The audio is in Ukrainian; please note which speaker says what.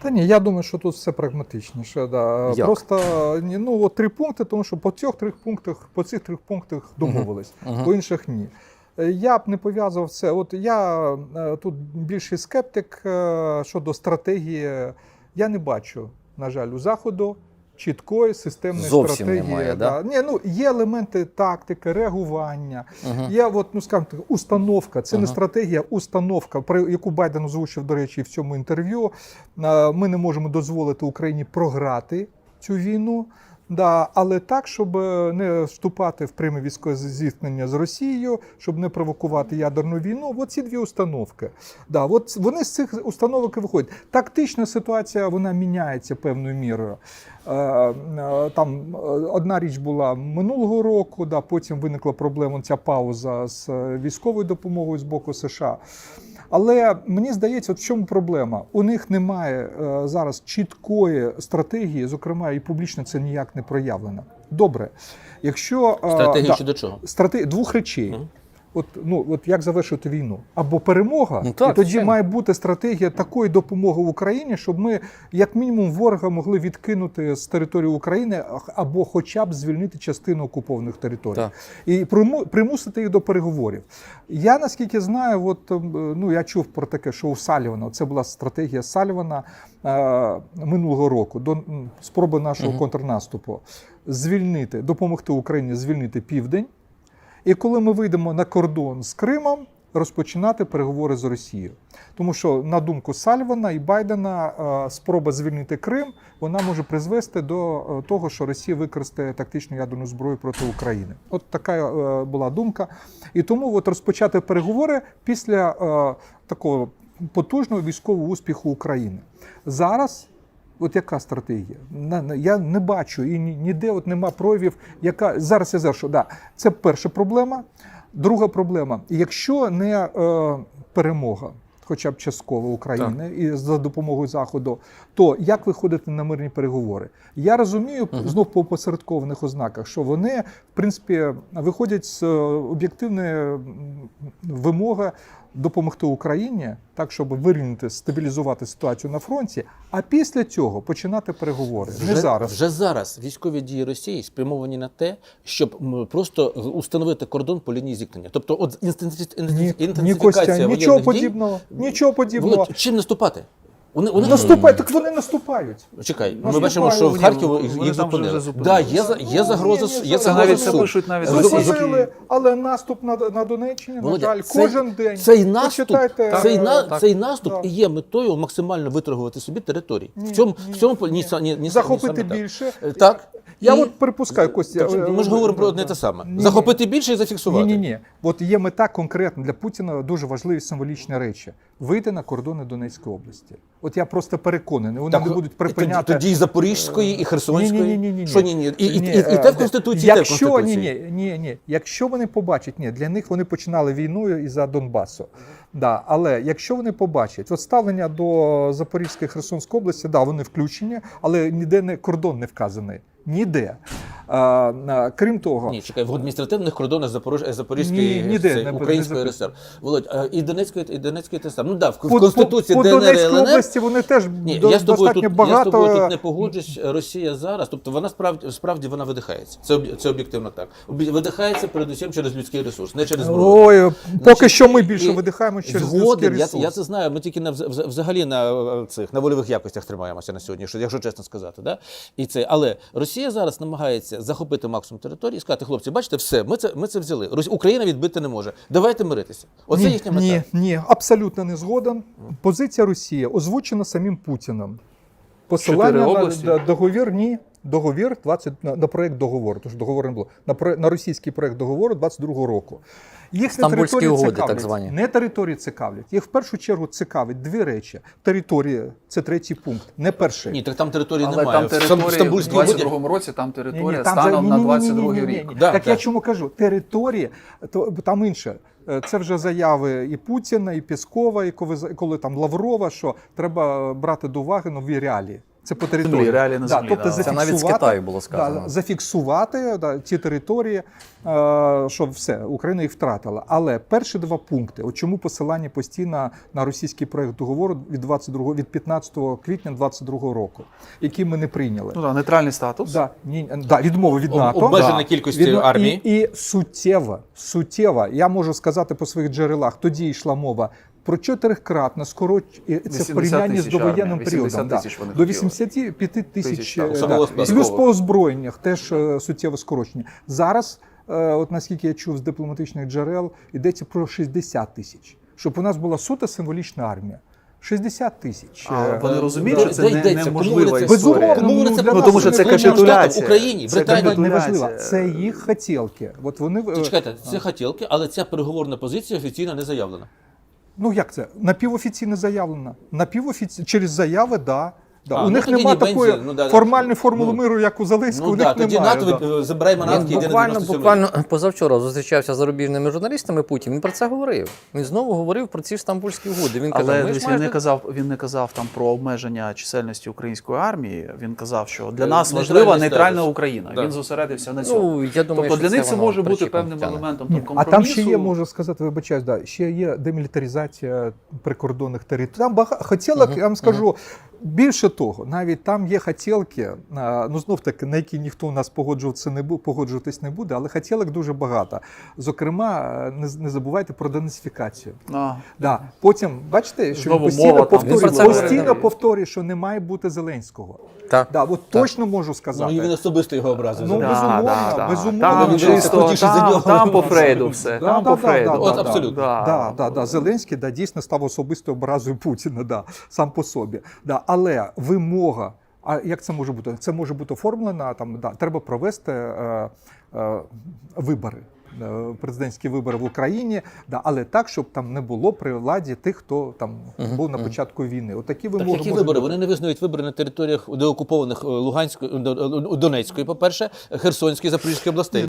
Speaker 1: Та ні, я думаю, що тут все прагматичніше. Да. Просто ну, от 3 пункти, тому що по цих трьох пунктах домовились, по інших ні. Я б не пов'язував це. От я тут більший скептик щодо стратегії. Я не бачу, на жаль, у Заходу чіткої системної стратегії.
Speaker 2: Немає,
Speaker 1: да? Ні, ну, є елементи тактики, реагування, є от, ну, скажімо так, установка, це не стратегія, установка, про яку Байден озвучив, до речі, в цьому інтерв'ю. Ми не можемо дозволити Україні програти цю війну. Да, але так, щоб не вступати в пряме військове зіткнення з Росією, щоб не провокувати ядерну війну. От ці дві установки. Да, от вони з цих установок і виходять. Тактична ситуація, вона міняється певною мірою. Там одна річ була минулого року, да, потім виникла проблема, ця пауза з військовою допомогою з боку США. Але мені здається, от в чому проблема? У них немає зараз чіткої стратегії, зокрема, і публічно це ніяк не проявлено. Добре, якщо...
Speaker 2: Стратегія щодо чого?
Speaker 1: Двох речей. От як завершити війну? Або перемога,
Speaker 2: ну, так,
Speaker 1: і тоді має бути стратегія такої допомоги Україні, щоб ми, як мінімум, ворога могли відкинути з території України або хоча б звільнити частину окупованих територій. Так. І примусити їх до переговорів. Я, наскільки знаю, ну, я чув про таке, що у Салівана, це була стратегія Салівана минулого року, до спроби нашого контрнаступу, допомогти Україні звільнити Південь. І коли ми вийдемо на кордон з Кримом, розпочинати переговори з Росією. Тому що, на думку Салівана і Байдена, спроба звільнити Крим, вона може призвести до того, що Росія використає тактичну ядерну зброю проти України. От така була думка. І тому от розпочати переговори після такого потужного військового успіху України. Зараз от яка стратегія? Я не бачу і ніде от нема проявів, яка зараз я завершу. Да, це перша проблема. Друга проблема. Якщо не перемога, хоча б частково України і за допомогою Заходу, то як виходити на мирні переговори? Я розумію, знов по посередкованих ознаках, що вони, в принципі, виходять з об'єктивної вимоги допомогти Україні, так, щоб вирівняти, стабілізувати ситуацію на фронті, а після цього починати переговори. Не зараз.
Speaker 2: Вже зараз військові дії Росії спрямовані на те, щоб просто установити кордон по лінії зіткнення. Тобто от інтенсифікація
Speaker 1: нічого
Speaker 2: воєнних дій.
Speaker 1: Нічого подібного.
Speaker 2: Чим наступати?
Speaker 1: Вони наступають, так вони наступають.
Speaker 2: Чекай, ми бачимо, що в Харкові їх зупинили. Да, є загроза, є загроза суду.
Speaker 3: Пишуть навіть
Speaker 1: зупинили, але наступ на Донеччині, на жаль, кожен день.
Speaker 2: Цей наступ і є метою максимально виторгувати собі території. В цьому
Speaker 1: захопити більше.
Speaker 2: Так.
Speaker 1: Я от припускаю, Костя.
Speaker 2: Ми ж говоримо про одне те саме. Захопити більше і зафіксувати.
Speaker 1: Ні. От є мета конкретна для Путіна, дуже важливі символічні речі. Вийти на кордони Донецької області. От я просто переконаний, вони не будуть припиняти.
Speaker 2: Тоді і Запорізької, і Херсонської.
Speaker 1: Ні.
Speaker 2: Що ні? І те в Конституції, те в Конституції.
Speaker 1: Ні. Якщо вони побачать, для них вони починали війною із-за Донбасу. Да, але якщо вони побачать, от ставлення до Запорізької, Херсонської області, да, вони включені, але ніде кордон не вказаний. Ніде. Крім того...
Speaker 2: Ні, чекай, в адміністративних кордонах Запорізької, Української РСР. Володь, і Донецької те саме. Ну так, в Конституції ДНР і ЛНР...
Speaker 1: По Донецькій області вони теж достатньо багато...
Speaker 2: Я з тобою тут не погоджусь. Росія зараз, тобто вона справді вона видихається. Це об'єктивно так. Видихається передусім через людський ресурс, не через зброю.
Speaker 1: Ой, поки що ми більше видихаємо через людський ресурс.
Speaker 2: Я це знаю, ми тільки взагалі на вольових якостях тримаємося на сьогодні, якщо чесно сказати. Да? Але Росія зараз намагається захопити максимум території і сказати, хлопці, бачите, все, ми це взяли. Україна відбити не може. Давайте миритися. Оце їхня мета.
Speaker 1: Ні, абсолютно не згоден. Позиція Росії озвучена самим Путіним. Посилання на договір, договір на проєкт договору, тому що договору не було, на російський проєкт договору 22-го року. Їх не території
Speaker 3: угоди, так звані.
Speaker 1: Не території цікавлять. Їх в першу чергу цікавить дві речі. Територія – це третій пункт, не перший.
Speaker 2: Ні, так там території
Speaker 3: але
Speaker 2: немає.
Speaker 3: Там території в 22-му році, там територія станом на 22-й рік.
Speaker 1: Так я чому кажу? Території, там інше. Це вже заяви і Путіна, і Пєскова, і коли там Лаврова, що треба брати до уваги нові реалії. Це по території.
Speaker 3: Землі, реалії на землі,
Speaker 1: тобто
Speaker 3: да.
Speaker 4: Це навіть з Китаю було сказано.
Speaker 1: зафіксувати ті території, що все, Україна їх втратила. Але перші два пункти, от чому посилання постійно на російський проект договору від 15 квітня 22 року, який ми не прийняли.
Speaker 3: Ну, да, нейтральний статус.
Speaker 1: Відмови від НАТО.
Speaker 2: Обмежена кількості армії.
Speaker 1: І суттєва, я можу сказати по своїх джерелах, тоді йшла мова про 4-кратне скорочення, це в порівнянні з довоєнним періодом. До 85 тисяч, плюс по озброєннях теж суттєве скорочення. Зараз, от наскільки я чув з дипломатичних джерел, йдеться про 60 тисяч, щоб у нас була суто символічна армія. 60 тисяч.
Speaker 3: Вони розуміють, що це неможлива
Speaker 1: Безумовно.
Speaker 3: історія. Тому що це капітуляція.
Speaker 2: Україні, Британії.
Speaker 1: Неважливо. Це їх хотілки. От вони...
Speaker 2: Чекайте, це хотілки, але ця переговорна позиція офіційно не заявлена.
Speaker 1: Ну як це? Напівофіційно заявлено. Через заяви, да. У них
Speaker 2: тоді
Speaker 1: немає
Speaker 2: ні,
Speaker 1: такої
Speaker 2: бензин,
Speaker 1: формальної формули миру, як у Зеленського. У них
Speaker 2: тоді
Speaker 1: немає.
Speaker 2: НАТО забирає манатки, йде на 97
Speaker 4: Буквально позавчора зустрічався з зарубіжними журналістами Путін. Він про це говорив. Він знову говорив про ці Стамбульські угоди. Він казав,
Speaker 3: Але він не казав там про обмеження чисельності української армії. Він казав, що для нас важлива нейтральна Україна. Він зосередився на цьому.
Speaker 4: Я думаю,
Speaker 3: тобто для них це
Speaker 4: воно
Speaker 3: може бути
Speaker 4: причіпом
Speaker 3: певним
Speaker 4: тягне.
Speaker 3: елементом
Speaker 1: Ні,
Speaker 3: компромісу.
Speaker 1: а там ще є, можу сказати, вибачаюсь, ще є демілітаризація прикордонних територій. Там хотілок, я вам скажу, більше того, навіть там є хотілки, ну знов-таки, на які ніхто у нас погоджуватись не буде, але хотілок дуже багато. Зокрема, не забувайте про денацифікацію. Да. Потім, бачите, що він постійно повторює, що не має бути Зеленського.
Speaker 4: Так.
Speaker 1: Да, от точно можу сказати.
Speaker 2: Ну, і він особисто його образив.
Speaker 1: Ну,
Speaker 2: безумовно.
Speaker 3: Там по Фрейду все. Там по Фрейду.
Speaker 2: От абсолютно.
Speaker 1: Зеленський дійсно став особистою образою Путіна, сам по собі. Але вимога, а як це може бути? Це може бути оформлено, треба провести вибори. Президентські вибори в Україні, але так, щоб там не було при владі тих, хто там був на початку війни. Отакі вимоги.
Speaker 2: Так, які вибори? Вони не визнають вибори на територіях деокупованих Донецької, по-перше, Херсонської, Запорізької областей.